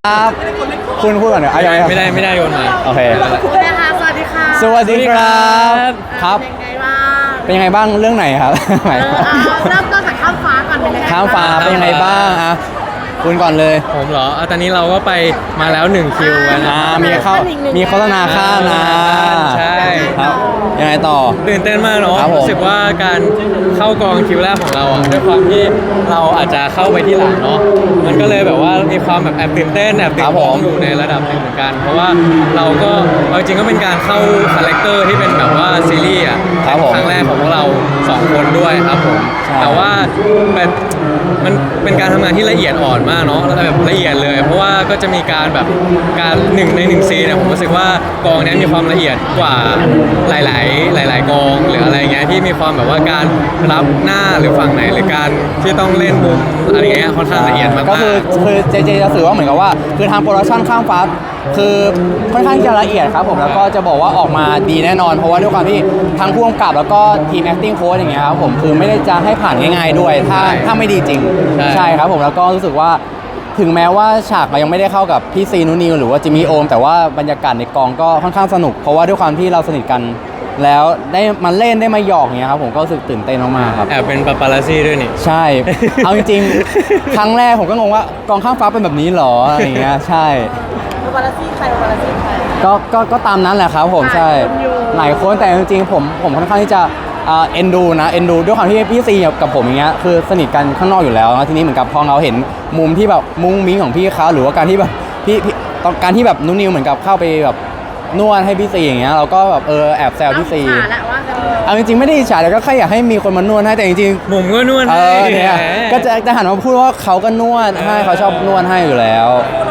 ครับคุณพูดก่อนเดี๋ยวยังไงครับไม่ได้โยนมาโอเคคุณนะคะสวัสดีค่ะสวัสดีครับครับเป็นยังไงบ้างเป็นยังไงบ้างเรื่องไหนครับเริ่มต้นจากข้ามฟ้าก่อนเป็นยังไงข้ามฟ้าเป็นยังไงบ้างอ่ะคุณก่อนเลยผมเหรอตอนนี้เราก็ไปมาแล้ว1คิวนะมีโฆษณาค่านะใช่ครับยังไงต่อตื่นเต้นมากเนาะรู้สึกว่าการเข้ากองคิวแรกของเราอ่ะด้วยความที่เราอาจจะเข้าไปที่หลังเนาะมันก็เลยแบบว่ามีความแบบแอบตื่นเต้นแอบตื่นร้องอยู่ในระดับหนึ่งเหมือนกันเพราะว่าเราก็เอาจริงก็เป็นการเข้าคาแรคเตอร์ที่เป็นแบบว่าซีรีส์อ่ะครั้งแรกของพวกเรา2คนด้วยครับผมแต่ว่ามันเป็นการทำงานที่ละเอียดอ่อนมากเนาะแล้วแบบละเอียดเลยเพราะว่าก็จะมีการแบบการ1 ใน 1ซีนเนี่ยผมรู้สึกว่ากองนี้มีความละเอียดกว่าหลายกองหรืออะไรเงี้ยที่มีความแบบว่าการรับหน้าหรือฝั่งไหนหรือการที่ต้องเล่นมุมอะไรเงี้ยค่อนข้างละเอียดมากก็คือเจจะสื่อว่าเหมือนกับว่าคือทางโปรดักชั่นข้ามฟ้าคือค่อนข้างจะละเอียดครับผมแล้วก็จะบอกว่าออกมาดีแน่นอนเพราะว่าด้วยความที่ทั้งผู้กำกับแล้วก็ทีม acting coach อย่างเงี้ยครับผมคือไม่ได้จะให้ผ่านง่ายๆด้วยถ้าไม่ดีจริงใช่ครับผมแล้วก็รู้สึกว่าถึงแม้ว่าฉากเรายังไม่ได้เข้ากับพี่ซีนูนิวหรือว่าจิมมี่โอมแต่ว่าบรรยากาศในกองก็ค่อนข้างสนุกเพราะว่าด้วยความที่เราสนิทกันแล้วได้มาเล่นได้มาหยอกอย่างเงี้ยครับผมก็รู้สึกตื่นเต้นมากๆครับแอบเป็นปาปารัสซี่ด้วยนี่ใช่เอาจริงๆครั้งแรกผมก็งงว่ากองข้ามฟ้าเป็นแบบนี้หรออะไรอย่างเงี้ยใช่วาลาซี่ใครวาลาซี่ใครก็ตามนั้นแหละครับผมใช่หลายคนแต่จริงๆผมค่อนข้างที่จะเอ็นดูด้วยความที่พี่ซีกับผมอย่างเงี้ยคือสนิทกันข้างนอกอยู่แล้วนะทีนี้เหมือนกับพอเราเห็นมุมที่แบบมุ้งมิ้งของพี่เขาหรือว่าการที่แบบพี่การที่แบบนุ่นนิวเหมือนกับเข้าไปแบบนวดให้พี่ซีอย่างเงี้ยเราก็แบบแอบแซวพี่ซีเอาจริงๆไม่ได้อิจฉาแต่ก็แค่อยากให้มีคนมานวดให้แต่จริงๆผมก็นวดให้เนี่ยก็จะหันมาพูดว่าเขาก็นวดให้เขาชอบนวดให้อยู่แล้ว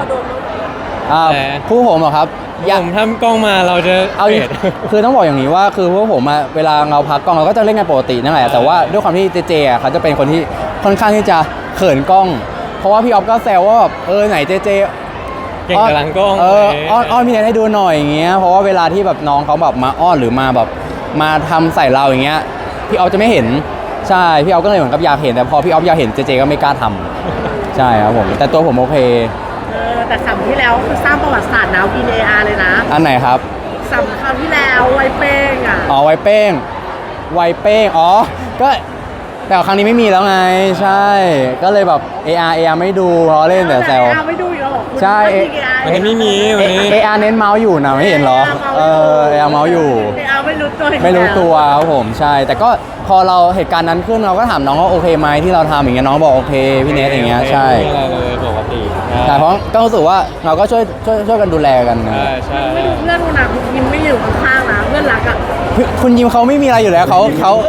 คู่ผมเหรอครับผมทำกล้องมาเราจะเอาคือต้องบอกอย่างนี้ว่าคือพวกผมเวลาเราพักกล้องเราก็จะเล่นกันปกตินั่นแหละแต่ว่าด้วยความที่เจเขาจะเป็นคนที่ค่อนข้างที่จะเขินกล้องเพราะว่าพี่ออฟก็แซวว่าแบบไหนเจเก่งกับหลังกล้องอ้อนพี่เนทให้ดูหน่อยอย่างเงี้ยเพราะว่าเวลาที่แบบน้องเขาแบบมาอ้อนหรือมาแบบมาทำใส่เราอย่างเงี้ยพี่ออฟจะไม่เห็นใช่พี่ออฟก็เลยเหมือนกับอยากเห็นแต่พอพี่ออฟอยากเห็นเจก็ไม่กล้าทำใช่ครับผมแต่ตัวผมโอเคแต่สัมที่แล้วคือสร้างประวัติศาสตร์นะVAR เลยนะอันไหนครับสัมคราวที่แล้วไวเป้งไวเป้งก็แต่ครั้งนี้ไม่มีแล้วไงใช่ก็เลยแบบ AR ไม่ดูเพราะเล่นแต่แซวไม่ดูอยู่หรอใช่วันนี้ไม่มีวันนี้ AR เน้นเมาส์อยู่นะไม่เห็นหรอAR เมาส์อยู่ AR ไม่รู้ตัวครับผมใช่แต่ก็พอเราเหตุการณ์นั้นขึ้นเราก็ถามน้องว่าโอเคไหมที่เราทำอย่างเงี้ยน้องบอกโอเคพี่เนทอย่างเงี้ยใช่ไม่อะไรเลยปกติแต่เพราะก็รู้สึกว่าเราก็ช่วยกันดูแลกันนะใช่ไม่ดูเพื่อนคนนั้นยิมไม่อยู่ข้างๆนะเพื่อนรักคุณยิมเขาไม่มีอะไรอยู่แล้วเขา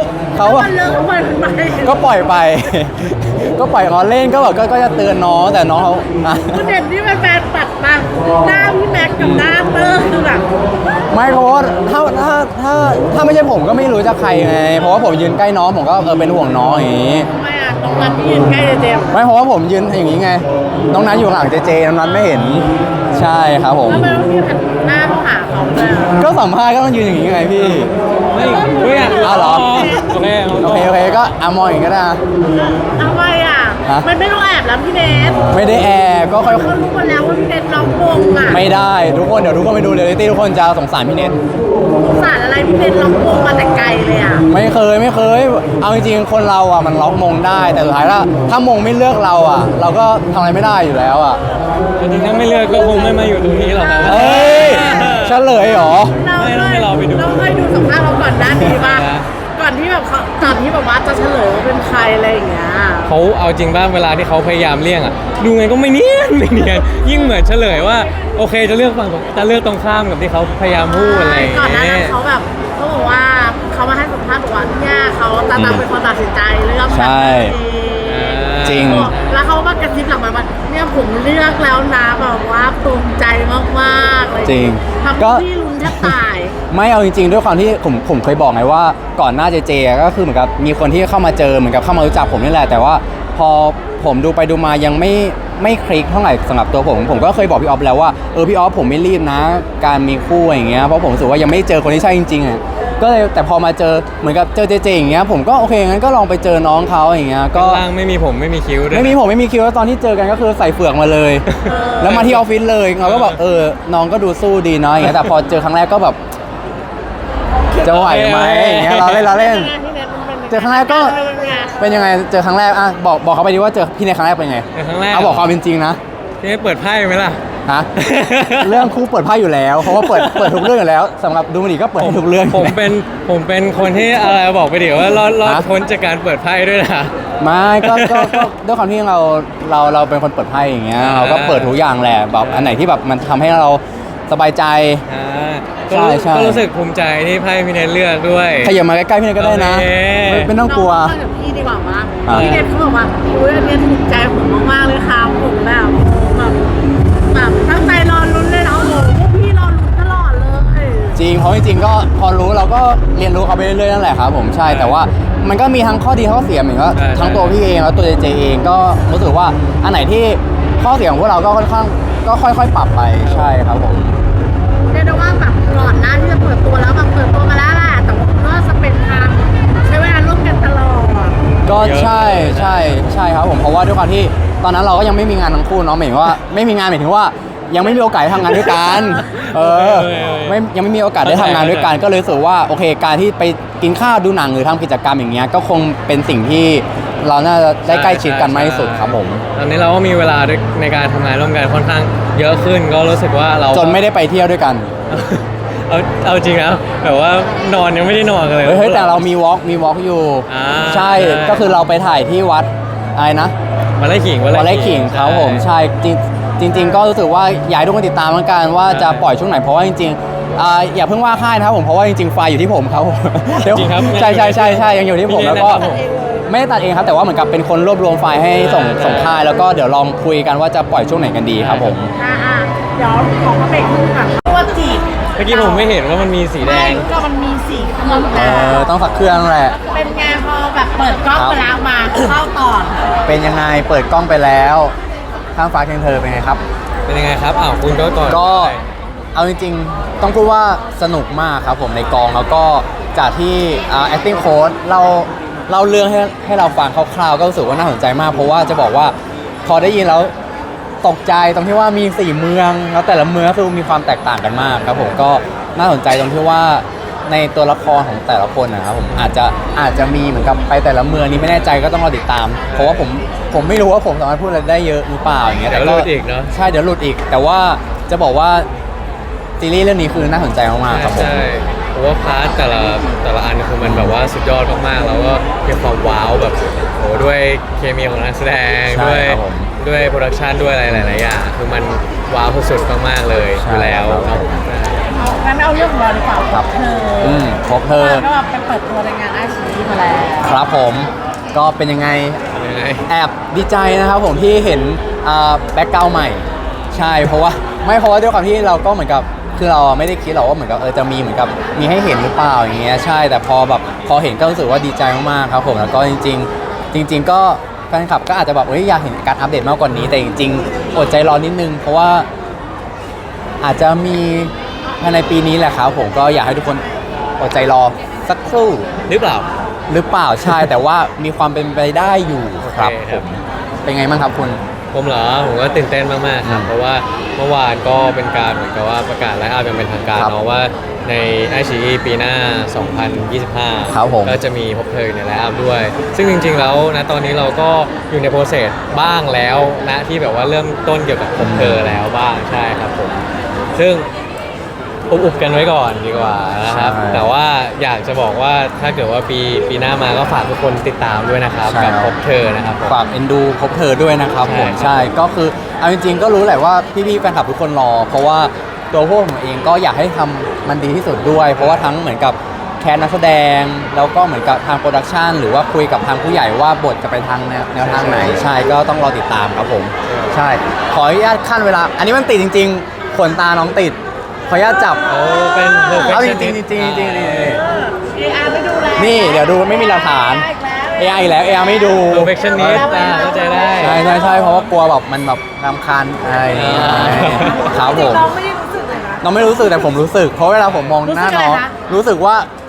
ก็ปล่อยไปก็ปล่อยเขาเล่นก็แบบก็จะเตือนน้องแต่น้องเขาประเด็นที่แฟนตัดมาหน้าพี่แม็กกับหน้าเตอร์คือแบบไม่เพราะว่าถ้าไม่ใช่ผมก็ไม่รู้จะใครไงเพราะว่าผมยืนใกล้น้องผมก็เป็นห่วงน้องอย่างนี้ไม่ตรงนั้นที่ยืนใกล้เจไม่เพราะว่าผมยืนอย่างนี้ไงน้องนั้นอยู่หลังเจน้องนั้นไม่เห็นใช่ครับผมแล้วไม่ต้องยืนหน้าเข้าหาเขาเลยก็สัมภาษณ์ก็ต้องยืนอย่างนี้ไงพี่ไม่เหรอโอเคก็มองอย่างนี้ก็ได้ทำไมมันไม่ต้องแอบแล้วพี่เนทไม่ได้แอบก็ค่อยรู้กันแล้วว่าพี่เนทร้องวงไม่ได้ทุกคนเดี๋ยวทุกคนไปดูเรียลลิตี้ทุกคนจะสงสารพี่เนทสงสารอะไรพี่เนทร้องวงมาแต่ไกลเลยไม่เคยเอาจริงๆคนเรามันล็อกมงได้แต่สุดท้ายถ้ามงไม่เลือกเราเราก็ทำอะไรไม่ได้อยู่แล้วจริงๆถ้าไม่เลือกก็คงไม่มาอยู่ตรงนี้หรอกนะเฉลยหรอไม่ต้องให้เราไปดูเราเคยดูสัมภาษณ์เราก่อนหน้านี้ป่ะก่อนที่แบบตอนที่แบบว่าจะเฉลยว่าเป็นใครอะไรอย่างเงี้ยเขาเอาจริงบ้างเวลาที่เขาพยายามเลี่ยงดูไงก็ไม่เนียนยิ่งเหมือนเฉลยว่าโอเคจะเลือกตรงข้ามกับที่เขาพยายามพูดอะไรก่อนหน้านั้นเขาแบบเขาบอกว่าเขามาให้สัมภาษณ์บอกว่าเนี่ยเขาตามเป็นคนตัดสินใจเลือกใช่จริงแล้วเขามากระซิบหลังมาเนี่ยผมเลือกแล้วนะแบบว่าภูมิใจมากๆเลยจริงก็ที่ลุ้นแทบตายไม่เอาจริงๆด้วยความที่ผมเคยบอกไงว่าก่อนหน้าเจก็คือเหมือนกับมีคนที่เข้ามาเจอเหมือนกับเข้ามารู้จักผมนี่แหละแต่ว่าพอผมดูไปดูมายังไม่คลิกเท่าไหร่สำหรับตัวผมก็เคยบอกพี่ออฟแล้วว่าพี่ออฟผมไม่รีบนะการมีคู่อย่างเงี้ยเพราะผมรู้สึกว่ายังไม่เจอคนที่ใช่จริงๆก็เลยแต่พอมาเจอเหมือนกับเจอเจเจอย่างเงี้ยผมก็โอเคงั้นก็ลองไปเจอน้องเขาอย่างเงี้ยก็ข้างล่างไม่มีผมไม่มีคิ้วด้วยไม่มีผมไม่มีคิวแล้วตอนที่เจอกันก็คือใส่เฟือกมาเลย แล้วมาที่ออฟฟิศเลยเราก็แบบน้องก็ดูสู้ดีเนาะอย่างเงี้ยแต่พอเจอครั้งแรกก็แบบจะไหวไหมอย่างเงี้ยเราเล่น เจอครั้งแรกก็ เป็นยังไงเจอครั้งแรกอ่ะบอกเขาไปดิว่าเจอพี่ในครั้งแรกเป็นไงในครั้งแรกเอาบอกความเป็นจริงนะพี่ให้เปิดไพ่ไหมล่ะฮะ เรื่องคู่เปิดไพ่อยู่แล้วเพราะว่าเปิดทุกเรื่องอยู่แล้วสำหรับดูมันดีก็เปิดให้ทุกเรื่องผมเป็นคนที่อะไรบอกไปเดี๋ยวว่ารอดพ้นจากการเปิดไพ่ด้วยนะไม่ก็ด้วยความที่เราเป็นคนเปิดไพ่อย่างเงี้ยเราก็เปิดทุกอย่างแหละแบบอันไหนที่แบบมันทำให้เราสบายใจก็ใช่ก็รู้สึกภูมิใจที่ไพ่พี่เนทเลือกด้วยขยับมาใกล้ๆพี่เนยก็ได้นะโอเคไม่ต้องกลัวน้องกับพี่ดีกว่ามั้งอ่ะพี่เนทเขาบอกว่าอุ้ยอันเนี้ยถูกใจผมมากๆเลยค่ะผมแบบตั้งใจรอลุ้นเลยนะโอ้โหพวกพี่รอลุ้นตลอดเลยจริงเพราะจริงๆก็พอรู้เราก็เรียนรู้เขาไปเรื่อยๆนั่นแหละครับผมใช่แต่ว่ามันก็มีทั้งข้อดีข้อเสียเหมือนว่าทั้งตัวพี่เองแล้วตัวเจเองก็รู้สึกว่าอันไหนที่ข้อเสียของพวกเราก็ค่อนข้างก็ค่อยๆปรับไปใช่ครับผมเรียกได้ว่าแบบก่อนหน้าที่จะเปิดตัวแล้วแบบเปิดตัวมาแล้วแหละแต่ว่าคุณก็สเปนทางใช้เวลาร่วมกันตลอดก็ใช่ครับผมเพราะว่าด้วยความที่ตอนนั้นเราก็ยังไม่มีงานทั้งคู่เนาะหมายถึงว่าไม่มีงานหมายถึงว่ายังไม่มีโอกาสได้ทำงานด้วยกันยังไม่มีโอกาสได้ทำงานด้วยกันก็เลยรู้สึกว่าโอเคการที่ไปกินข้าวดูหนังหรือทำกิจกรรมอย่างเงี้ยก็คงเป็นสิ่งที่เราน่าจะได้ใกล้ชิดกันมากที่สุดครับผมตอนนี้เราก็มีเวลาในการทำงานร่วมกันค่อนข้างเยอะขึ้นก็รู้สึกว่าเราจนไม่ได้ไปเที่ยวด้วยกันเอาจริงนะแบบว่านอนยังไม่ได้นอนกันเลยเฮ้ยแต่เรามีวอล์กอยู่อ่าใช่ก็คือเราไปถ่ายที่วัดอะไรนะวันไร่ขิงวัดไร่ขิงครับผมใช่จริง ๆ ก็รู้สึกว่าอยากให้ทุกคนติดตามเหมือนกันว่าจะปล่อยช่วงไหนเพราะว่าจริงๆอย่าเพิ่งว่าค่ายนะครับผมเพราะว่าจริงๆไฟล์อยู่ที่ผมครับผมจริงครับใช่ยังอยู่ที่ผมแล้วก็ไม่ได้ตัดเองครับแต่ว่าเหมือนกับเป็นคนรวบรวมไฟล์ให้ส่งค่ายแล้วก็เดี๋ยวลองคุยกันว่าจะปล่อยช่วงไหนกันดีครับผมเดี๋ยวขอมาเบรกนึงก่อนตัวจีบเมื่อกี้ผมไม่เห็นว่ามันมีสีแดงก็มันมีสีเครื่องนะต้องสักเครื่องแหละเป็นไงพอแบบเปิดกล้องไปแล้วมาเข้าต่อเป็นยังไงเปิดกล้องไปแล้วข้างฟ้าเคียงเธอเป็นไงครับเป็นยังไงครับอ้าวคุณก็ก่อนก็เอาจริงๆต้องพูดว่าสนุกมากครับผมในกองแล้วก็จากที่acting coach เราเรื่องให้เราฟังคร่าวๆก็รู้สึกว่าน่าสนใจมากเพราะว่าจะบอกว่าพอได้ยินแล้วตกใจตรงที่ว่ามี4เมืองแล้วแต่ละเมืองก็คือมีความแตกต่างกันมากครับผมก็น่าสนใจตรงที่ว่าในตัวละครของแต่ละคนนะครับผมอาจจะมีเหมือนกับไปแต่ละเมืองนี้ไม่แน่ใจก็ต้องรอติดตาม เพราะว่าผมไม่รู้ว่าผมสามารถพูดอะไรได้เยอะหรือเปล่าอย่างเงี้ยเดี๋ยวหลุดอีกเนาะใช่เดี๋ยวหลุดอีก แต่ว่าจะบอกว่าซีรีส์เรื่องนี้คือน่าสนใจมากๆครับผมใช่เพราะว่าพาร์ทแต่ละอันคือมันแบบว่าสุดยอดมากๆแล้วก็มีความว้าวแบบโอ้ด้วยเคมีของนักแสดงใช่ด้วยครับผมด้วยโปรดักชันด้วยอะไรหลายๆอย่างคือมันว้าวสุดๆมากๆเลยใช่อยู่แล้วครับเนาะงั้นเอาเรื่องของเราดีกว่าครับเธอครบเธอก็แบบไปเปิดตัวในงานไอซีมาแล้วครับผมก็เป็นยังไงยังไงแอบดีใจนะครับผมที่เห็นแบ็กกราวด์ใหม่ ใช่เพราะว่าด้วยความที่เราก็เหมือนกับคือเราไม่ได้คิดหรอกว่าเหมือนกับจะมีเหมือนกับมีให้เห็นหรือเปล่าอย่างเงี้ยใช่แต่พอเห็นก็รู้สึกว่าดีใจมากๆครับผมแล้วก็จริง ๆ ก็แฟนคลับก็อาจจะแบบอยากเห็นการอัปเดตมากกว่านี้แต่จริงๆอดใจรอนิดนึง เพราะว่าอาจจะมีภายในปีนี้แหละครับผมก็อยากให้ทุกคนอดใจรอสักครู่หรือเปล่าหรือเปล่าใช่ แต่ว่ามีความเป็นไปได้อยู่ครับโอเคผครับมเป็นไงบ้างครับคุณผมเหรอผมก็ตื่นเต้นมากๆครับเพราะว่าเมื่อวานก็เป็นการเหมือนกับว่าประกาศไลฟ์อัพอย่างเป็นทางการครับเนาะว่าในไอชีปีหน้า 2025 ครับผมก็จะมีพบเธอในไลฟ์อัพด้วย ซึ่งจริงๆแล้วนะตอนนี้เราก็อยู่ในโปรเซสบ้างแล้วนะที่แบบว่าเริ่มต้นเกี่ยวกับพบเธอแล้วบ้างใช่ครับผมซึ่งอุบกันไว้ก่อนดีกว่านะครับใช่แต่ว่าอยากจะบอกว่าถ้าเกิดว่าปีหน้ามาก็ฝากทุกคนติดตามด้วยนะครับใช่กับครับพบเธอนะครับผมฝากเอ็นดูพบเธอด้วยนะครับผมใช่ใช่ก็คือเอาจริงๆก็รู้แหละว่าพี่ๆแฟนคลับทุกคนรอ เพราะว่าตัวพวกผมเองก็อยากให้ทำมันดีที่สุดด้วย เพราะว่าทั้งเหมือนกับแคสนักแสดงแล้วก็เหมือนกับทางโปรดักชันหรือว่าคุยกับทางผู้ใหญ่ว่าบทจะไปทางแนวทางไหนใช่ก็ต้องรอติดตามครับผม ใช่ ขออนุญาตขั้นเวลา อันนี้มันติดจริงๆขนตาน้องติดขออนุญาตจับโอ้เป็นเอาจริง perfectionist ๆนี่อาร์ไม่ดูแลนี่เดี๋ยวดูไม่มีหลักฐาน AI อีกแล้ว AI ไม่ดู perfectionist เข้าใจได้ใช่เพราะว่ากลัวแบบมันแบบรำคาญอะไรอย่างเงี้ยครับผมเราไม่ได้รู้สึกเลยนะน้องไม่รู้สึกแต่ผมรู้สึก เพราะเวลาผมมองหน้าน้องรู้สึกอะไรคะรู้สึกว่า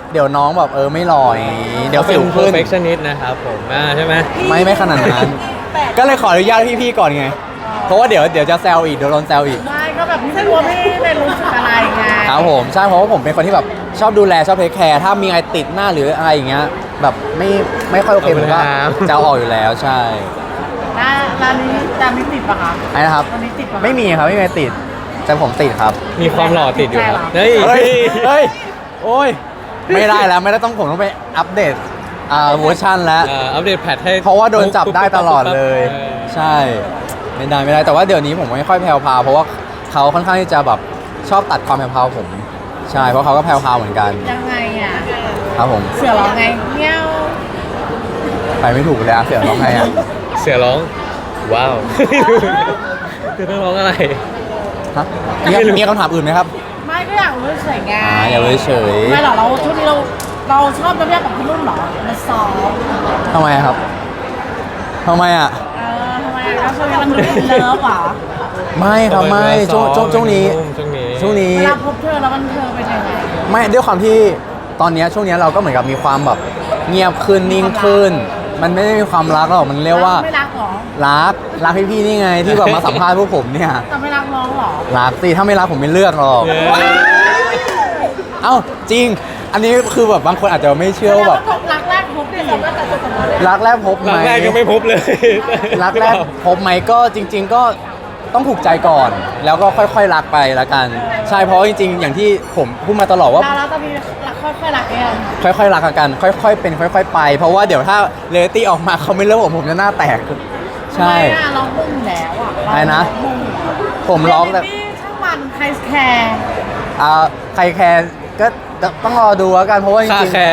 เดี๋ยวน้องแบบไม่หล่ออย่างงี้เดี๋ยวสิวเป็นขึ้น perfectionist นะครับผมใช่ไหมไม่ขนาดนั้น ก็เลยขออนุญาตพี่ๆก่อนไง เพราะว่าเดี๋ยวจะแซวอีกเดี๋ยวโดนแซวอีกไม่ก็แบบพี่ไม่รู้ว่าพี่เป็นรู้สึกอะไรไงครับผมใช่เพราะว่าผมเป็นคนที่แบบชอบดูแลชอบเทคแคร์ถ้ามีอะไรติดหน้าหรืออะไรอย่างเงี้ยแบบไม่ค่อยโอเคผมก็จะเอาออกอยู่แล้วใช่ร้านนี้ติดปะคะไอ้นะครับร้านนี้ติดปะไม่มีครับไม่มีอะไรติดแต่ผมติดครับมีความหล่อติดอยู่ครับใช่เฮ้ยเฮ้ยโอ้ยไม่ได้แล้วไม่ได้ผมต้องไปอัปเดตเวอร์ชันแล้วอัปเดตแพทให้เพราะว่าโดนจับได้ตลอดเลยออใช่ไม่ได้แต่ว่าเดี๋ยวนี้ผมไม่ค่อยแพรวพราวเพราะว่าเขาค่อนข้างที่จะแบบชอบตัดความแพรวพราวผม ใช่เพราะเขาก็แพรวพราวเหมือนกันยังไงอ่ะครับผมเสือร้องไงเงี้ยวไปไม่ถูกเลยอะเสือร้องไงอะเสือร้อง ว้าวคือต้องร้องอะไรฮะมีคำถามอื่นไหมครับไม่ก็อยากรู้เฉยๆไงอย่าเลยเฉยไม่หรอกเราช่วงนี้เราชอบน้ำยาของพี่นุ่นเหรอมาซ้อมทำไมครับทำไมอะทำไมก็ช่วงนี้มันดูเลิฟเหรอไม่ครับไม่ช่วงนี้ ช่วงนี้เวลาพบเธอแล้วมันเธอเป็นยังไงไม่ด้วยความที่ตอนเนี้ยช่วงเนี้ยเราก็เหมือนกับมีความแบบเงียบขึ้นนิ่งขึ้น มันไม่ได้มีความรักหรอกมันเรียกว่าไม่รักเหรอรักพี่ๆนี่ไงที่แบบมาสัมภาษณ์พวกผมเนี่ยแต่ไม่รักน้องเหรอรักสิถ้าไม่รักผมไม่เลือกหรอกเย้เอ้าจริง อันนี้คือแบบบางคนอาจจะไม่เชื่อว่าแบบรักแรกพบดิรักแรกพบไหมรักแรกยังไม่พบเลยรักแรกพบไหมก็จริง ๆ ก็ต้องถูกใจก่อน แล้วก็ค่อยๆรักไปละกัน ใช่เพราะจริงๆ อย่างที่ผมพูดมาตลอดว่าเราตอนนี้รักค่อยๆรักเองค่อยๆรักกัน ค่อยๆเป็นค่อย ๆ ไป เพราะว่าเดี๋ยวถ้าเรตตี้ออกมาเขาไม่เลิกผมจะหน้าแตก ใช่ไม่น่าร้องมุ่งแล้วอ่ะอะไรนะมุ่งผมร้องแต่นี่ช่างมันใครแคร์ใครแคร์ก็ต้องรอดูแล้วกันเพราะว่าจคาริงแคร์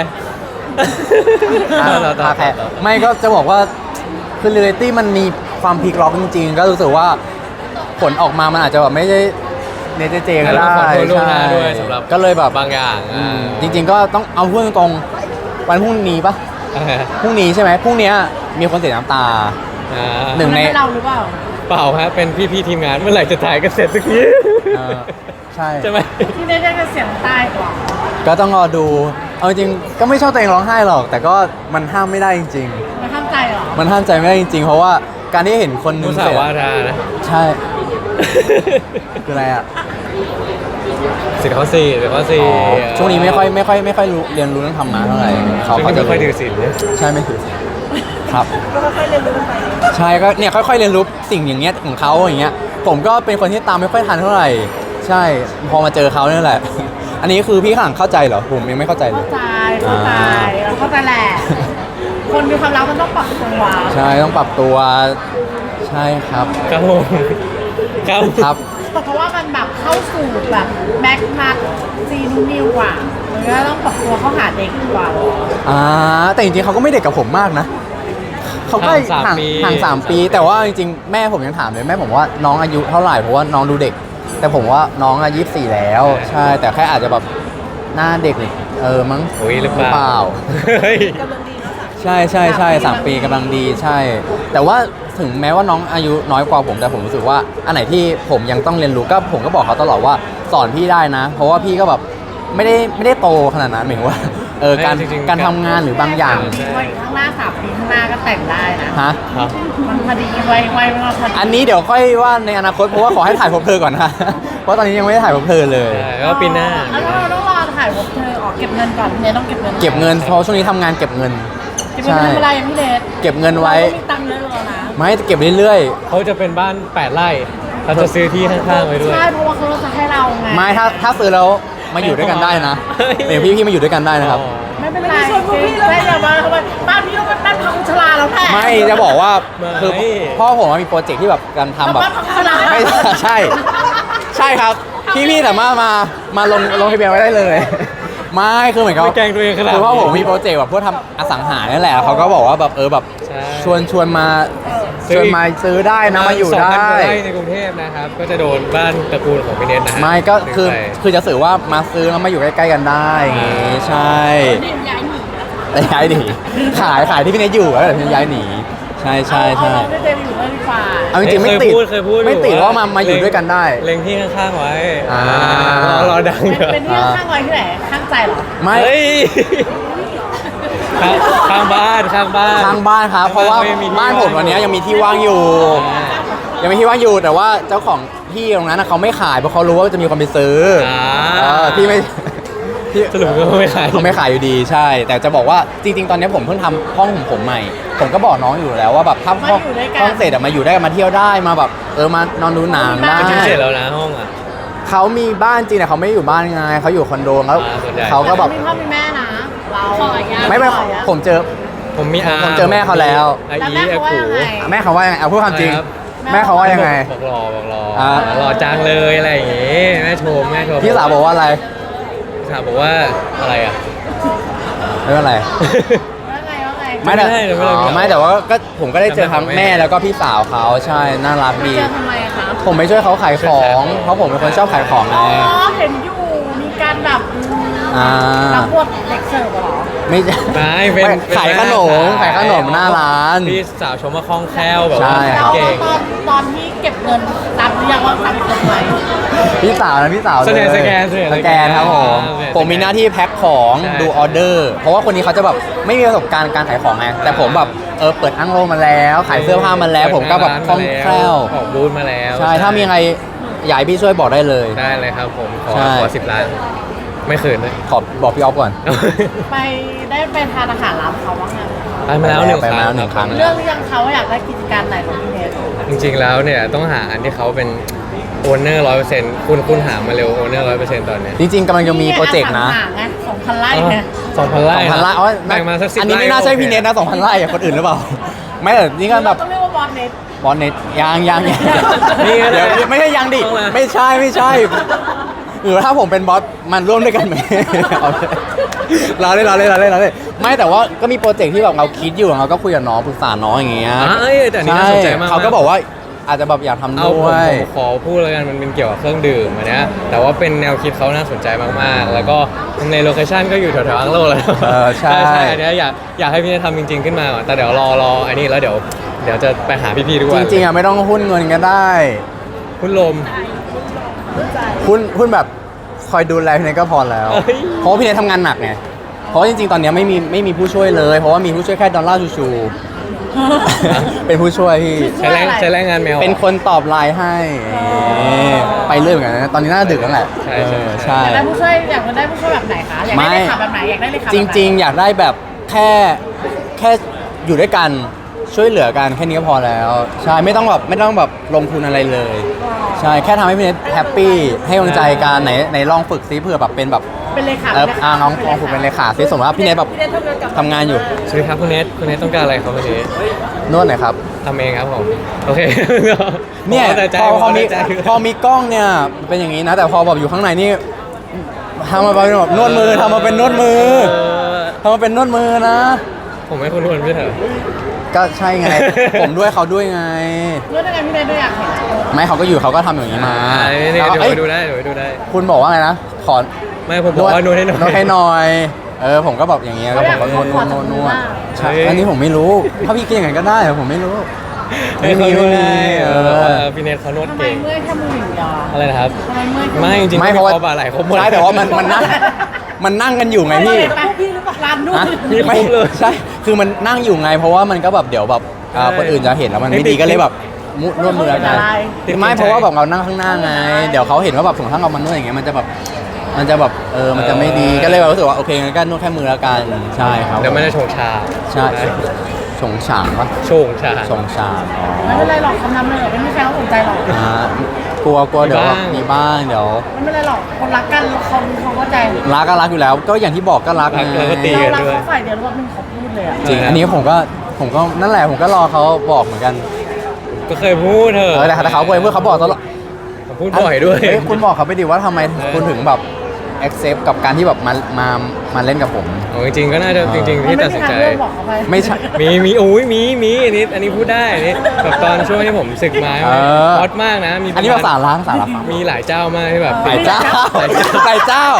คาแคร์ไม่ก็จะบอกว่าคือเรตตี้มันมีความพลิกล็อกจริงๆ ก็รู้สึกว่าผลออกมามันอาจจะแบบไม่ได้เนเจก็ได้ขอโทษล่วงหน้าด้วยสำหรับก็เลยแบบบางอย่างจริง ๆ ก็ต้องเอาพูดตรงๆวันพรุ่งนี้ปะพรุ่งนี้ใช่ไหมพรุ่งเนี้ยมีคนเสียน้ำตา หนึ่งในมัเราหรือเปล่าเปล่าฮะเป็นพี่ๆทีมงานเมื่อไหร่จะถ่ายกันเสร็จสักทีใช่ใช่ไหมที่ได้จะเสียงตายกว่าก็ต้องรอดูเอาจริงๆก็ไม่ชอบตัวเองร้องไห้หรอก แต่ก็มันห้ามไม่ได้จริงมันห้ามใจเหรอๆ มันห้ามใจไม่ได้จริงๆ เพราะว่าการที่เห็นคนหนึมุงสาเสียวาทานะใช่คืออะไรอ่ะสิทธิ์ข้อสี่สิทธิ์ข้อสี่ช่วงนี้ไม่ค่อยรู้เรียนรู้เรื่องธรรมะเท่าไหร่ช่วงเขานี้จะไม่ค่อยถือศีลเนี่ยใช่ไม่ถือครับใช่ก็เนี่ยค่อยๆเรียนรู้สิ่งอย่างเงี้ยของเขาอย่างเงี้ยผมก็เป็นคนที่ตามไม่ค่อยทันเท่าไหร่ ใช่พอมาเจอเขาเนี่ยแหละ อันนี้คือพี่ข้างหลังเข้าใจเหรอผมยังไม่เข้าใจเลเข้าย ใจเราเข้าใจแหละ คนมีความรักมันต้องปรับตัวใช่ต้องปรับตัวใช่ครับครับผมครับครับเพราะว่ามันแบบเข้าสู่แบบแม็กนัทซีนูนิวกว่ามันก็ต้องปรับตัวเข้าหาเด็กกว่าแต่จริงๆเขาก็ไม่เด็กกับผมมากนะเขาก็ห่าง3 ปีแต่ว่าจริงๆแม่ผมยังถามเลยแม่ผมว่าน้องอายุเท่าไหร่เพราะว่าน้องดูเด็ก แต่ผมว่าน้องอายุ24แล้ว ใช่แต่แค่อาจจะแบบหน้าเด็กมั้งโอ้ยหรือเปล่าเฮ้ยใช่3 ปีกำลังดีใช่ แต่ว่าถึงแม้ว่าน้องอายุน้อยกว่าผมแต่ผมรู้สึกว่าอันไหนที่ผมยังต้องเรียนรู้ก็ผมก็บอกเขาตลอดว่าสอนพี่ได้นะ เพราะว่าพี่ก็แบบไม่ได้โตขนาดนั้นหมายถึงว่าการจริงๆการทำงานหรือบางอย่างวัยข้างหน้า3 ปีข้างหน้าก็แต่งได้นะฮะครับมันพอดีวัยมันพอดีอันนี้เดี๋ยวค่อยว่าในอนาคตเพราะว่าขอให้ถ่ายพบเธอก่อนนะ เพราะตอนนี้ยังไม่ได้ถ่ายพบเธอเลยใช่ก็ปีหน้าแล้วเราต้องรอถ่ายพบเธอออกเก็บเงินก่อนเนี่ยต้องเก็บเงินเก็บเงินเพราะช่วงนี้ทำงานเก็บเงินเก็บเงินทำอะไรอย่างพี่เลสเก็บเงินไว้เราก็มีตังค์เยอะแล้วนะไม่เก็บเรื่อยเขาจะเป็นบ้าน 8 ไร่เขาจะซื้อที่ข้างๆไว้ด้วยใช่เพราะว่าเขาจะให้เราไงๆไม่ถ้าซื้อแล้วมาอยู่ด้วยกันได้นะเฮ้ยเดี๋ยวพี่มาอยู่ด้วยกันได้นะครับไม่เป็นไรชวนพวกพี่เลยอย่ามาทำไมบ้านพี่ต้องเป็นบ้านพังชราแล้วแหละไม่จะบอกว่าคือพ่อผมมีโปรเจกต์ที่แบบการทำแบบบ้านพังชราไม่ใช่ ใช่ครับ พี่สามารถมาลงทะเบียนไว้ได้เลย ไม่คือเหมือนกับไม่แกล้งตัวเองขนาดคือพ่อนี้ผมมีโปรเจกต์แบบพวกทำอสังหานี่แหละเขาก็บอกว่าแบบแบบใช่ชวนมาซื้อได้นะมาอยู่ได้ 2,000 กว่าไร่ในกรุงเทพนะครับ ก็จะโดนบ้านตระกูลของพี่เนทนะฮะไม่ก็คือไปคือจะสื่อว่ามาซื้อแล้วมาอยู่ใกล้ๆกันได้อย่างงี้ใช่แต่ย้ายหนีขายที่พี่เนทอยู่แล้วเดี๋ยวพี่ย้ายหนีใช่เอาเราได้เต็มอยู่ด้วยดีกว่าฝ่ายเอาจริงๆไม่ติดเคยพูดไม่ติดว่ามาอยู่ด้วยกันได้เล็งที่ข้างๆไว้อ่ารอดังเถอะเป็นที่ข้างไว้ที่ไหนข้างใจเหรอไม่เฮ้ยข้างบ้านข้างบ้านข้างบ้านครับเพราะว่าไม่มีที่บ้านผมวันนี้ยังมีที่ว่างอยู่ ยังมีที่ว่างอยู่แต่ว่าเจ้าของที่ตรงนั้นน่ะเขาไม่ขายเพราะเขารู้ว่าจะมีคนไปซื้อที่ไม่ที่สรุปก็ไม่ขายเขาไม่ขายอยู่ดีใช่ แต่จะบอกว่าจริง ๆ ตอนนี้ผมเพิ่งทำห้องของผมใหม่ ผมก็บอกน้องอยู่แล้วว่าแบบถ้าห้องเสร็จอะมาอยู่ได้มาเที่ยวได้มาแบบมานอนดูหนังได้จริงๆเสร็จแล้วนะห้องอ่ะเขามีบ้านจริงแต่เขาไม่ได้อยู่บ้านไงเขาอยู่คอนโดแล้วส่วนใหญ่เขาก็แบบมีพ่อมีแม่นะเราขออนุญาตไม่ผมเจอผมมีอาผมเจอแม่เขาแล้วอาแล้วอีแม่อาเขาว่ากูยังไงแม่เขาว่ายังไงเอาพูดความจริงครับแม่เขาว่ายังไงบอกรออ่ารอจังเลยอะไรอย่างงี้แม่ชมพี่สาวบอกว่าอะไรพี่สาวบอกว่าอะไรอ่ะไม่เป็นไรว่าไงว่าไงไม่แต่ไม่ได้ไม่แต่ว่าก็ผมก็ได้เจอทั้งแม่แล้วก็พี่สาวเขาใช่น่ารักมาดีเจอทำไมคะผมไปช่วยเขาขายของเพราะผมเป็นคนชอบขายของไงอ๋อเห็นอยู่มีการแบบอ่ารับบทเด็กเสิร์ฟเหรอไม่ใช่ไม่เป็นขายขนมขายขนมหน้าร้านพี่สาวชมว่าคล่องแคล่วแบบใช่ว่าครับเก่งตอนที่เก็บเงินรับหรือยังว่ารับคนไหมพี่สาวนะพี่สาวส่วนใหญ่เลยสแกนสแกนครับผมอ่าผมมีหน้าที่แพ็คของใช่ดูออเดอร์ เพราะว่าคนนี้เขาจะแบบไม่มีประสบการณ์การขายของไงแต่ผมแบบเปิดอั้งโลมาแล้วขายเสื้อผ้ามาแล้ว ผมก็แบบคล่องแคล่วออกบูธมาแล้วใช่ถ้ามีอะไรอยากให้พี่ช่วยบอกได้เลยได้เลยครับผมขอใช่ 10 ล้าน ไม่คืนเลยขอบอกพี่ออฟก่อนไปได้ไปทานอาหารร้านเขาบ้างไงไปมาแล้วหนึ่งไปคมารั้แล้วงหนึ่งครั้งเรื่องหรือยังเขาว่าอยากได้กิจการไหนของพี่เนสจริงๆแล้วเนี่ยต้องหาอันที่เขาเป็นโอนเนอร์100%คุณหามาเร็วโอนเนอร์100%ตอนเนี้ยจริงๆกำลังจะมีโปรเจกต์นะไง2,000 ไร่ไง 2,000 ไร่ 2,000 ไร่อ๋อแบ่งมาสัก10 อันนี้ไม่น่าใช่พี่เนทนะ2,000 ไร่อะคนอื่นหรือเปล่า ไม่แต่นี่ก็แบบต้องเรียกว่าบอสเนสบอลเนทยังนี่ก็ได้เดี๋ยวไม่ใช่ยังดิต้องมาไม่ใช่หรือว่าถ้าผมเป็นบอสมันร่วมด้วยกันไหมเอาเลยเราเล่นไม่แต่ว่าก็มีโปรเจกต์ที่แบบเราคิดอยู่เราก็คุยกับน้องปรึกษาน้องอย่างเงี้ยเอ้ยแต่อันนี่น่าสนใจมากเขาก็บอกว่าอาจจะแบบอยากทำเอาด้ผวมยขอพูดแล้วกันมันเป็นเกี่ยวกับเครื่องดื่มอันเนี้ยแต่ว่าเป็นแนวคิดเขาน่าสนใจมากๆ แล้วก็ในโลเคชั่นก็อยู่แถวๆอังโลแล้วใช่อันเนี้ยอยากให้พี่เนททำจริงๆขึ้นมาก่อนแต่เดี๋ยวรออันนี้แล้วเดี๋ยวจะไปหาพี่ๆทุกจวันริงๆอะไม่ต้องหุ้นเงินก็ได้คุณลมหุ้นแบบคอยดูแลพี่เนทก็พอแล้วเอ้ยเพราะว่าพี่เนททำงานหนักไง เพราะจริงๆ ตอนเนี้ยไม่มีผู้ช่วยเลย เพราะว่ามีผู้ช่วยแค่ดอลลาร์ชู เป็นผู้ช่วยที่ใช้แรงงานแมวเป็นคนตอบไลน์ให้ไปเรื่อยเหมือนกันนะตอนนี้น่าจะดึกแล้วแหละใช่ใช่อยากได้ผู้ช่วยแบบไหนคะอยากได้เลขาแบบไหนอยากได้เลขาจริง ๆ อยากได้แบบแค่อยู่ด้วยกันช่วยเหลือกันแค่นี้ก็พอแล้ว ใช่ไม่ต้องแบบลงทุนอะไรเลย ใช่แค่ทำให้พี่เนทแฮปปี้ให้กำลังใจกันไหนลองฝึกซิเผื่อแบบเป็นแบบเป็นเลขาน้องฝึกเป็นเลขาซิสมมติว่าพี่เนทแบบทำงานอยู่สวัสดีครับคุณเนทต้องการอะไรครับวันนี้นวดหน่อยครับทำเองครับผมโอเคเนี่ยแต่ใจพอมีกล้องเนี่ยเป็นอย่างนี้นะ แต่พอแบบอยู่ข้างในนี่ทำมาเป็นแบบนวดมือทำมาเป็นนวดมือทำมาเป็นนวดมือนะผมไม่คุณนวลพี่เถอะก็ใช่ไง ผมด้วยเขาด้วยไงเรื่องอะไรพี่เนสด้วยอยากเห็นไม่เขาก็อยู่เขาก็ทำอย่างนี้มานี่แล้วก็เดี๋ยวเอ้ยไปดูได้คุณบอกว่าไงนะขอไม่ผมบอกว่านวดให้หน่อยนวดให้หน่อยผมก็แบบอย่างเงี้ยแล้วผมก็นวดใช่อันนี้ผมไม่รู้ถ้าพี่คิดอย่างนั้นก็ได้แต่ผมไม่รู้ให้เขานวดให้เอแบบว่าอพี่เนทเขานวดทำไมเก่งเมื่อยแค่มืออย่างเดียวอะอะไรนะครับทำไมเมื่อยแค่ไม่จริงๆไม่เพราะว่าคอบาไหลครบหมดใช่แต่ว่ามันนั่งมันนั่งกันอยู่ไงพี่พี่หรือเปล่าร้านนู่นฮะมีครบไม่เลยใช่ คือมันนั่งอยู่ไง เพราะว่ามันก็แบบเดี๋ยวแบบคนอื่นจะเห็นแล้วมันไม่ดีก็เลยแบบนวดมือกันไม่เพราะว่าแบบเรานั่งข้างหน้าไง เดี๋ยวเขาเห็นว่าแบบถึงถ้าเรามานวดอย่างเงี้ยมันจะแบบมันจะไม่ดีก็เลยแบบรู้สึกว่าโอเคงั้นก็นวดแค่มือแล้วกันใช่ครับเดี๋ยวไม่ได้ชงชาใช่ชงฉางปะชงชาชงฉางอ๋อไม่เป็นไรหรอกคำนำเลยไม่มีใครเขาสนใจหรอกกลัวเดี๋ยวมีบ้างเดี๋ยวไม่เป็นไรหรอกคนรักกันเขาเข้าใจรักก็รักอยู่แล้ว ก็อย่างที่บอกก็รักไงแล้วก็ตีเรากันรักด้วยเขาฝ่ายเดียวรอบนึงเขาพูดเลยอะจริงอันนี้ผมก็นั่นแหละผมก็รอเขาบอกเหมือนกันก็เคยพูดเถอะแต่เขาเคยเมื่อเขาบอกตลอดผมพูดบ่อยด้วยเฮ้คุณบอกเขาไปดิว่าทำไมคุณถึงแบบ accept กับการที่แบบมาเล่นกับผมโอ้จริงๆก็น่าจะจริงๆที่ตัดสินใจไม่มีทางเลือกบอกเขาไปไม่ใช่มีโอ้ยมีอันนี้พูดได้อันนี้แบบตอนช่วงที่ผมศึกมาเออฮอตมากนะมีอันนี้ภาษาล้างภาษาล้างมีหลายเจ้ามากที่แบบหลายเจ้าหลายเจ้า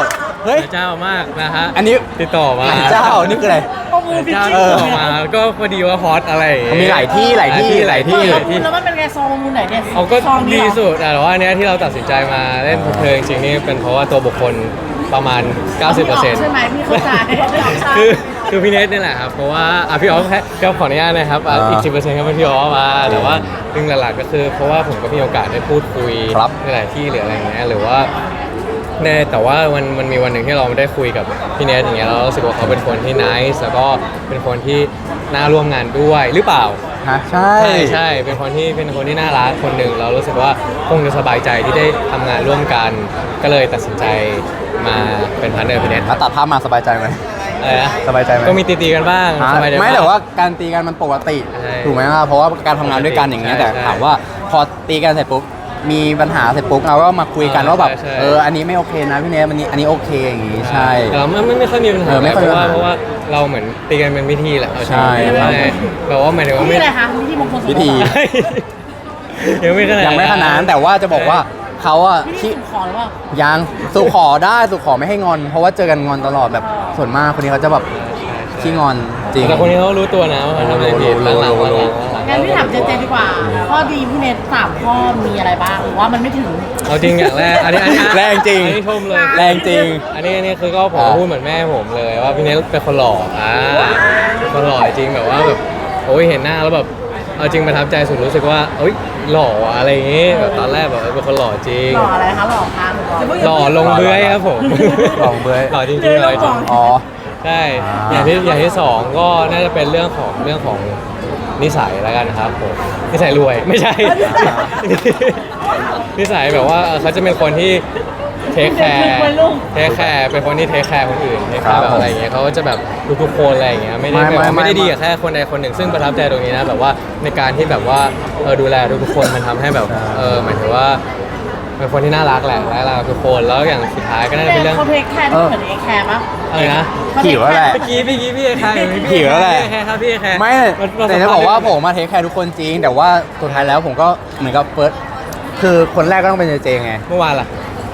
เฮ้ยนายเจ้ามากนะฮะอันนี้ติดต่อมานายเจ้านี่คืออะไรข้อมูลผิดเจ้าจริติงดต่อมาก็พอดีว่าฮอตอะไรอย่งเงี้ยมีหลายที่หลายที่หลายที่ข้อมูลแล้วมันเป็นไงซองมูลไหนเนี่ยเอาก็ซองนี้ดีเหรอสุดแต่ว่าอันเนี้ยที่เราตัดสินใจมาเล่นเพลงจริงๆนี่เป็นเพราะว่าตัวบุคคลประมาณ 90% ใช่ไหมพี่เข้าใจคือพี่เนทนี่แหละครับเพราะว่าพี่ออฟก็ขออนุญาตนะครับอีก 10%ก็เป็นพี่ออฟมาแต่ว่าเรื่องหลักๆก็คือเพราะว่าผมก็มีโอกาสได้พูดคุยครับในหลายที่หรืออะไรอย่างเงี้ยหรือว่าแต่ว่ามันมีวันหนึ่งที่เราได้คุยกับพี่เนทอย่างเงี้ยเรารู้สึกว่าเขาเป็นคนที่นิสแล้วก็เป็นคนที่น่าร่วมงานด้วยหรือเปล่าฮะใช่ใช่เป็นคนที่น่ารักคนหนึ่งเรารู้สึกว่าคงจะสบายใจที่ได้ทำงานร่วมกัน ก็เลยตัดสินใจมาเป็นพาร์ทเนอร์พี่เนทแล้วตัดภาพมาสบายใจไหมอะไรนะสบายใจไหมก็มีตีๆกันบ้างฮะสบายใจไม่บ้งแต่ว่าการตีกันมันปกติใช่ถูกไหมล่ะเพราะว่าการทำงานด้วยกันอย่างเงี้ยใช่แต่ใช่ถามว่าพอตีกันเสร็จปุ๊บมีปัญหาเสร็จปุ๊บเราก็มาคุยกันว่าแบบใช่อันนี้ไม่โอเคนะพี่เนทอันนี้โอเคอย่างงี้ใช่แต่เราไม่ค่อยมีปัญหาไม่ค่อยมีปัญหาเพราะว่าเราเหมือนตีกันเป็นวิธีแหละเอาใช่ใช่แต่ว่าหมายถึงว่านี่ไม่อะไรคะวิธีมงคลสมรสวิธียังไม่ขนาดยังไม่ขนาดนั้นแต่ว่าจะบอกว่าเขาอะวิธีที่สู่ขอหรือเปล่ายังสู่ขอได้สู่ขอไม่ให้งอน เพราะว่าเจอกันงอนตลอดแบบส่วนมากคนนี้เขาจะแบบขี้งอนจริงแต่คนนี้เขารู้ตัวนะว่าเขาทำอะไรผิดรู้หลังๆรู้หลังงั้นพี่ถามเจเจดีกว่า ข้อดีพี่เนท3ข้อมีอะไรบ้างหรือว่ามันไม่ถึงเอาจริงอย่างแรกอันนี้แรงจริงอันนี้ชมเลยแรงจริงอันนี้คือก็ผมอ่าพูดเหมือนแม่ผมเลยว่าพี่เนทเป็นคนหล่อเป็นคนหล่อจริงแบบว่าแบบโอ้ยเห็นหน้าแล้วแบบเอาจริงประทับใจสุดรู้สึกว่าเอ้ยหล่อว่ะอะไรอย่างงี้แบบตอนแรกแบบเป็นคนหล่อจริงหล่ออะไรคะหล่อคะหล่อลงเบื้อยครับผมหล่อลงเบื้อยหล่อจริงๆหล่อจริงอ๋อใช่อ่าอย่างที่สองก็น่าจะเป็นเรื่องของนิสัยแล้วกันครับผมนิสัยรวยไม่ใช่ นิสัยแบบว่าเขาจะเป็นคนที่เทคแคร์เป็นคนที่เทคแคร์คนอื่นเทคแคร์แบบอะไรอย่างเงี้ยเขาก็จะแบบทุกๆคนอะไรอย่างเงี้ยไม่ได้แบบว่าไม่ได้ดีกับแค่คนใดคนหนึ่งซึ่งประทับใจตรงนี้นะแบบว่าในการที่แบบว่าดูแลทุกๆคนมันทำให้แบบหมายถึงว่าเป็นคนที่น่ารักแหละน่ารักกับทุกคนแล้วอย่างสุดท้ายก็น่าจะเป็นเรื่องเขาเทคแคร์ที่เหมือนเอแคร์มั้งอะไรนะหิวแล้วแหละเมื่อกี้พี่เอแคร์หิวแล้วแหละพี่เอแคร์ครับพี่เอแคร์ไม่แต่จะบอกว่าผมมาเทคแคร์ทุกคนจริง แต่ว่าสุดท้ายแล้วผมก็เหมือนกับเฟิร์สคือคนแรกก็ต้องเป็นเจไงเมื่อวานล่ะ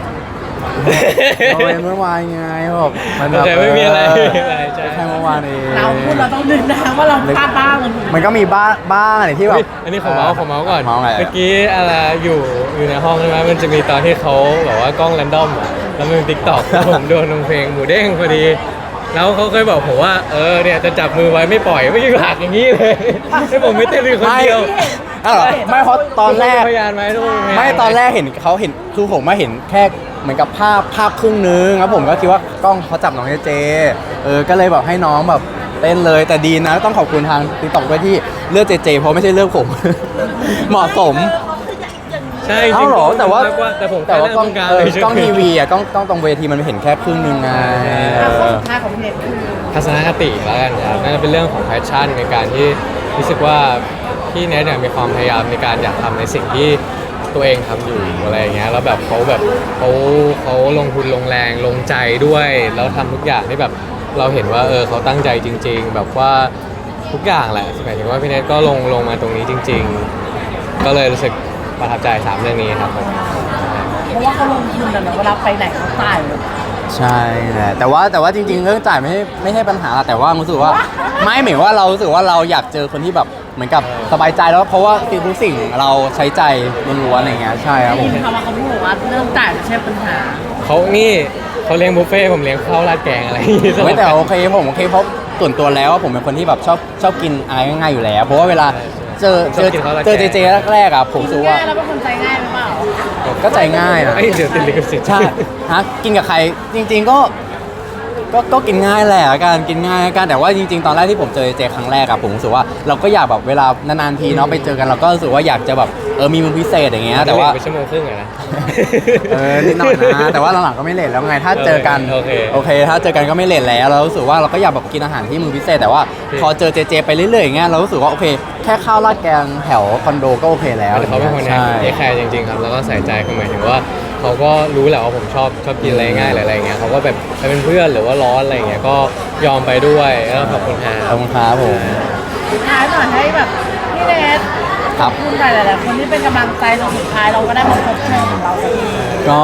เราเป็นเมื่อวานไงแบบมันแบบแต่ไม่มีอะไรแค่เมื่อวานเองเราพูดเราต้องนึกนะว่าเราพลาดบ้างมันถูกมันก็มีบ้างอะไรที่แบบอันนี้ของเมาส์ก่อนเมาส์อะไรเมื่อกี้อะไรอยู่ในห้องใช่ไหมมันจะมีตอนที่เขาแบบว่ากล้องแรนดอมอะแล้วมันเป็นติ๊กต็อกแล้วผมโดนลงเพลงหมูเด้งพอดี แล้วเขาเคยบอกผมว่าเนี่ยจะจับมือไว้ไม่ปล่อยไม่ใช่หักอย่างนี้เลยให้ผมไม่เต้นเลยคนเดียวไม่เพราะตอนแรกพยานไหมทุกคนไม่ตอนแรกเห็นเขาเห็นคือผมมาเห็นแค่เหมือนกับภาพครึ่งนึงแล้วผมก็คิดว่ากล้องเขาจับน้องเจก็เลยแบบให้น้องแบบเต้นเลยแต่ดีนะต้องขอบคุณทางติ๊กต็อกด้วยที่เลือกเจเพราะไม่ใช่เลือกผม เหมาะสมใช่เอ้าเหรอแต่ว่าแต่ผมแต่ว่ากล้องกลางกล้องทีวีอ่ะกล้องตรงเวทีมันเห็นแค่ครึ่งนึงไงข้อสุดท้ายของพี่เนทคือทัศนคติแล้วกันครับน่าจะเป็นเรื่องของแพชชั่นในการที่รู้สึกว่าพี่เนทเนี่ยมีความพยายามในการอยากทำในสิ่งที่ตัวเองทำอยู่อะไรอย่างเงี้ยแล้วแบบเขาลงทุนลงแรงลงใจด้วยแล้วทำทุกอย่างที่แบบเราเห็นว่าเขาตั้งใจจริง ๆ แบบว่าทุกอย่างแหละหมายถึงว่าพี่เนทก็ลงมาตรงนี้จริง ๆ ก็เลยรู้สึกประทับใจ3เรื่องนี้ครับผมเพราะว่าเขาลงทุนอะเนอะเวลาไปไหนเขาจ่ายเลยใช่แหละแต่ว่าจริงๆเรื่องจ่ายไม่ใช่ปัญหาแต่ว่ารู้สึกว่าไม่เหมือนว่าเรารู้สึกว่าเราอยากเจอคนที่แบบเหมือนกับสบายใจแล้วเพราะว่าทุกสิ่งเราใช้ใจล้วนๆอะไรเงี้ยใช่ครับผได้มยินคำว่าเขาพูดว่าเรื่องจ่ายไม่ใช่ปัญหาเขาเลี้ยงบุฟเฟ่ต์ผมเลี้ยงข้าวราดแกงอะไรอย่างงี้ไม่แต่โอเคผมโอเคเพราะส่วนตัวแล้วผมเป็นคนที่แบบชอบกินอะไรง่ายๆอยู่แล้ว เพราะว่าเวลาเจอเจแรกๆอ่ะผมรู้สึกว่าง่ายแล้วเป็นคนใจง่ายหรือเปล่าก็ใจง่ายนะเอ้ยเดี๋ยวติดลิขสิทธิ์ใช่ฮะกินกับใครจริง ๆก็กินง่ายแหละการกินง่ายกันแต่ว่าจริง ๆ ตอนแรกที่ผมเจอเจครั้งแรกอะผมรู้สึกว่าเราก็อยากแบบเวลานานๆทีเนาะไปเจอกันเราก็รู้สึกว่าอยากจะแบบมีมือพิเศษอย่างเงี้ยแต่ว่าไปชั่วโมงครึ่งอะนะนิดหน่อยนะแต่ว่าหลังๆก็ไม่เลทแล้วไงถ้าเจอกันโอเคถ้าเจอกันก็ไม่เลทแล้วเรารู้สึกว่าเราก็อยากแบบกินอาหารที่มือพิเศษแต่ว่าพอเจอเจไปเรื่อยๆอย่างเงี้ยเรารู้สึกว่าโอเคแค่ข้าวราดแกงแถวคอนโดก็โอเคแล้วแต่เขาเป็นคนใช่เทคแคร์จริงๆครับแล้วก็ใส่ใจคือหมายถึงว่าเขาก็รู้แหละว่าผมชอบกินอะไรง่ายหรืออะไรอย่างเงี้ยเขาก็แบบไปเป็นเพื่อนหรือว่าร้อนอะไรอย่างเงี้ยก็ยอมไปด้วยแล้วขอบคุณฮะขอบคุณครับผมสุดท้ายหน่อยให้แบบพี่เนทครับคุณหลายๆคนที่เป็นกำลังใจจนสุดท้ายเราก็ได้มาพบเจอของเราสักทีก็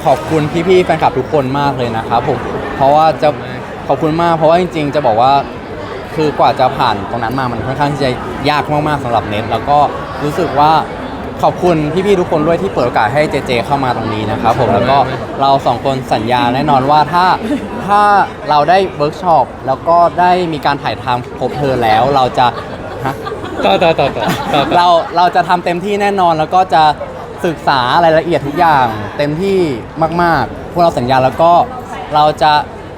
ขอบคุณพี่ๆแฟนคลับทุกคนมากเลยนะครับผมเพราะว่าจะขอบคุณมากเพราะว่าจริงๆจะบอกว่าคือกว่าจะผ่านตรงนั้นมามันค่อนข้างที่จะยากมากๆสำหรับเน็ตแล้วก็รู้สึกว่าขอบคุณพี่ๆทุกคนด้วยที่เปิดโอกาสให้เจเจเข้ามาตรงนี้นะครับผมแล้วก็เราสองคนสัญญาแน่นอนว่าถ้าเราได้เวิร์กช็อปแล้วก็ได้มีการถ่ายทำพบเธอแล้วเราจะฮะต่อเราจะทำเต็มที่แน่นอนแล้วก็จะศึกษารายละเอียดทุกอย่างเต็มที่มากๆพวกเราสัญญาแล้วก็เราจะ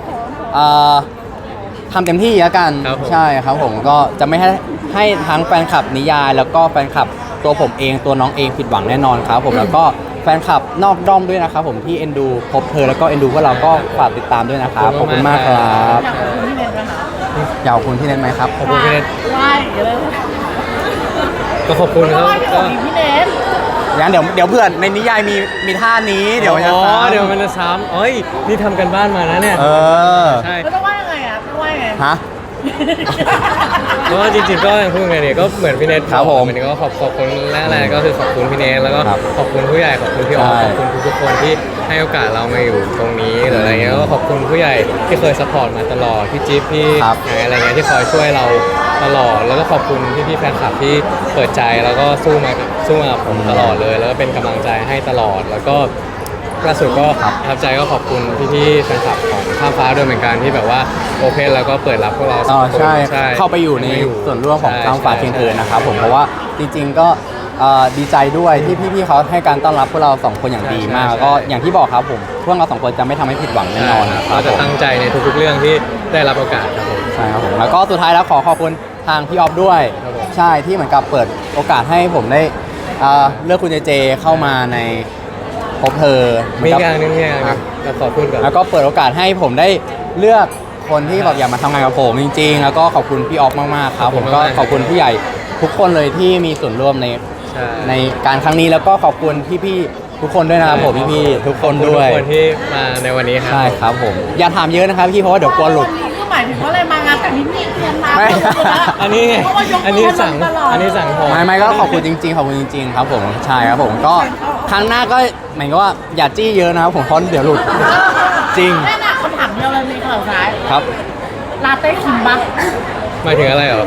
ทำเต็มที่แล้วกันครับผมใช่ครับผมก็จะไม่ให้ทั้งแฟนคลับนิยาย แล้วก็แฟนคลับตัวผมเองตัวน้องเองผิดหวังแน่นอนครับผมแล้วก็แฟนคลับนอกด้อมด้วยนะครับผมที่เอ็นดูพบเธอแล้วก็เอ็นดูพวกเราก็ฝากติดตามด้วยนะครับขอบคุณมากครับอยากขอบคุณพี่เนทไหมคะอยากขอบคุณที่เน็ตไหมครับขอบคุณพี่เนทไหว้เลยก็ขอบคุณครับไหว้พี่ของพี่เนทงั้นเดี๋ยวเพื่อนในนิยายมีท่านี้เดี๋ยวมันจะอ๋อซ้ำเดี๋ยวมันจะซ้ำเอ้ยนี่ทำกันบ้านมานะเนี่ยเออใช่แล้วต้องไหว้ยังไงอ่ะต้องไหว้ยังไงฮะเพราะว่าจริงๆก็ยังพูดไงเนี่ยก็เหมือนพี่เนทครับผมนนี้ก็ขอบคุณแรกๆก็คือขอบคุณพี่เนทแล้วก็ครับขอบคุณผู้ใหญ่ขอบคุณพี่ออฟใช่ขอบคุณทุกๆคนที่ให้โอกาสเรามาอยู่ตรงนี้หรืออะไรเงี้ยก็ขอบคุณผู้ใหญ่ที่เคยซัพพอร์ตมาตลอดพี่จิ๊บพี่ครับไหนอะไรเงี้ยที่คอยช่วยเราตลอดแล้วก็ขอบคุณพี่ๆแฟนคลับที่เปิดใจแล้วก็สู้มากับผมตลอดเลย แล้วก็เป็นกำลังใจให้ตลอดแล้วก็ล่าสุดก็ประทับใจก็ขอบคุณพี่ๆแฟนคลับของข้ามฟ้าด้วยเหมือนกันที่แบบว่าโอเพนแล้วก็เปิดรับพวกเราสอ๋อองคนใช่เข้าไปอยู่ในส่วนร่วมของใช่ข้ามฟ้าใช่เทียงเอิญนะครับผมเพราะว่าจริงๆก็ดีใจด้วยที่พี่ๆเขาให้การต้อนรับพวกเราสองคนอย่างดีมากใช่แล้วก็อย่างที่บอกครับผมพวกเราสองคนจะไม่ทำให้ผิดหวังแน่นอนคเรารับจะผมตั้งใจในทุกๆเรื่องที่ได้รับโอกาสครับผมใช่ครับผมแล้วก็สุดท้ายแล้วขอขอบคุณทางพี่ออฟด้วยครับผมใช่ที่เหมือนกับเปิดโอกาสให้ผมได้เลือกคุณเจเจเข้ามาในพบเธอเหมีนกับอย่างหนึงเราขอพูดก่อนแล้วก็เปิดโอกาสให้ผมได้เลือกคนที่แบบอยากมาทำงานกับผมจริงๆ แล้วก็ขอบคุณพี่ออฟมากๆครับผมก็ขอบคุณผู้ใหญ่ทุกคนเลยที่มีส่วนร่วมในใช่ในการครั้งนี้แล้วก็ขอบคุณพี่ๆทุกคนด้วยนะครับผมพี่ๆทุกคนด้วยทุกคนที่มาในวันนี้ครับใช่ครับผมอย่าถามเยอะนะครับพี่เพราะว่าเดี๋ยวกลัวหลุดวันนี้คือหมายถึงว่าอะไรมางานแต่นี่มีเตรียมมาไม่อันนี้ไงเพราะว่ายกมือันนี้สั่งตลดอันนี้สั่งพอไม่ก็ขอบคุณจริงๆขอบคุณจริงๆครับผมใช่ครับผมก็ครั้งหน้าก็หมายก็ว่าอย่าจี้เยอะนะครับผมเพราะเดี๋ยวหลุดจริงแค่น่ะคำถามเดียวเลยมีข่าวสายครับลาเต้คิมปะหมายถึงอะไรเหรอ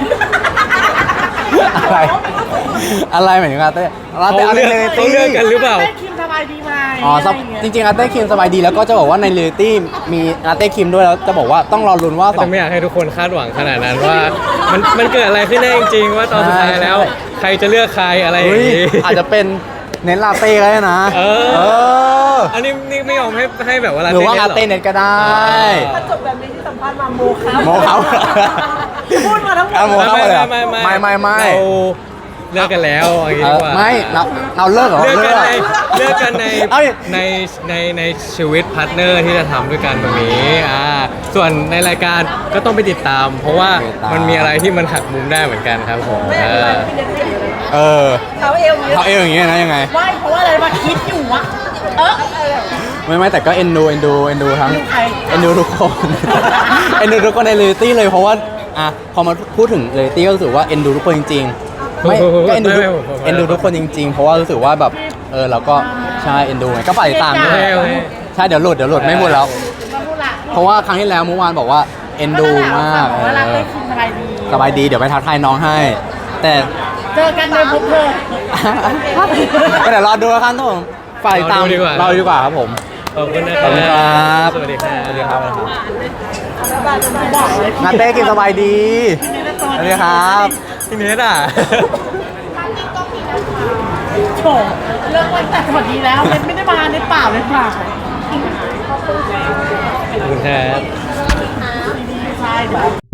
อะไรหมายถึงอาเต้อาเต้เขาเลือกอะไรเขาเลือกกันหรือเปล่าลาเต้คิมสบายดีไหมอ๋อจริงๆอาเต้คิมสบายดีแล้วก็จะบอกว่าในเรียลลิตี้มีอาเต้คิมด้วยแล้วจะบอกว่าต้องรอลุ้นว่าสอแต่งไม่อยากให้ทุกคนคาดหวังขนาดนั้นว่ามันเกิดอะไรขึ้นแน่จริงๆว่าตอนสุดท้ายแล้วใช่ใครจะเลือกใครอะไรอย่างเฮ้ยนี้อาจจะเป็นเน้นลาเต้ก็ได้นะเออเอออันนี้นี่ไม่ยอมให้แบบว่าหรือว่าลาเต้เน็เน็ตก็ได้ถ้าจบแบบนี้ที่สัมภาษณ์มาโมครับโมครับพูดมาทั้งหมอ่ะดโมครับ ไม่เราเลิกกันแล้วอย่างนี้ดีกว่าไม่เราเลิกเหรอเลือกกันในเอ้ยในชีวิตพาร์ทเนอร์ที่จะทำด้วยกันแบบนี้ส่วนในรายการก็ต้องไปติดตาม เพราะว่ามันมีอะไรที่มันหักมุมได้เหมือนกันครับผมไม่เป็นไรพี่เด็กๆเลยเออเขาเอวอย่างนี้เขาเอวอย่างเงี้ยนะยังไงไม่เพราะว่าอะไรมาคิดอยู่อะอะไรอะไม่แต่ก็เอ็นดูทั้งใครเอ็นดูทุกคน เอ็นดูทุกคนในเรียลลิตี้เลยเพราะว่าพอมาพูดถึงเรียลลิตี้ก็รู้สึกว่าเอ็นดูทุกคนจริงๆไม่ก็เอ็นดูทุกคนจริงๆ เพราะว่ารู้สึกว่าแบบเราก็ใช่เอ็นดูไงก็ฝากติดตามด้วยโอเคใช่เดี๋ยวหลุดไม่พูดแล้วมาพูดละเพราะว่าครั้งที่แล้วเมื่อวานบอกว่าเอ็นดูมากเวลาเต้คิมสบายดีสบายดีเดี๋ยวไปทักทายน้องให้ แต่เจอกันในพบเธอก็เดี๋ยวรอดูแล้วกันทุกคนฝากติดตามรอดูดีกว่าครับผมขอบคุณนะขอบคุณครับสวัสดีครับสวัสดีครับบอกเลยนาเต้กินสบายดีสวัสดีครับพี่เนทอ่ะโฉมเลิกวันแต่สวัสดีแล้วเน็ตไม่ได้มาเน็ตเปล่าเน็ตเปล่าขอบคุณครับดีๆใช่เดี๋ยว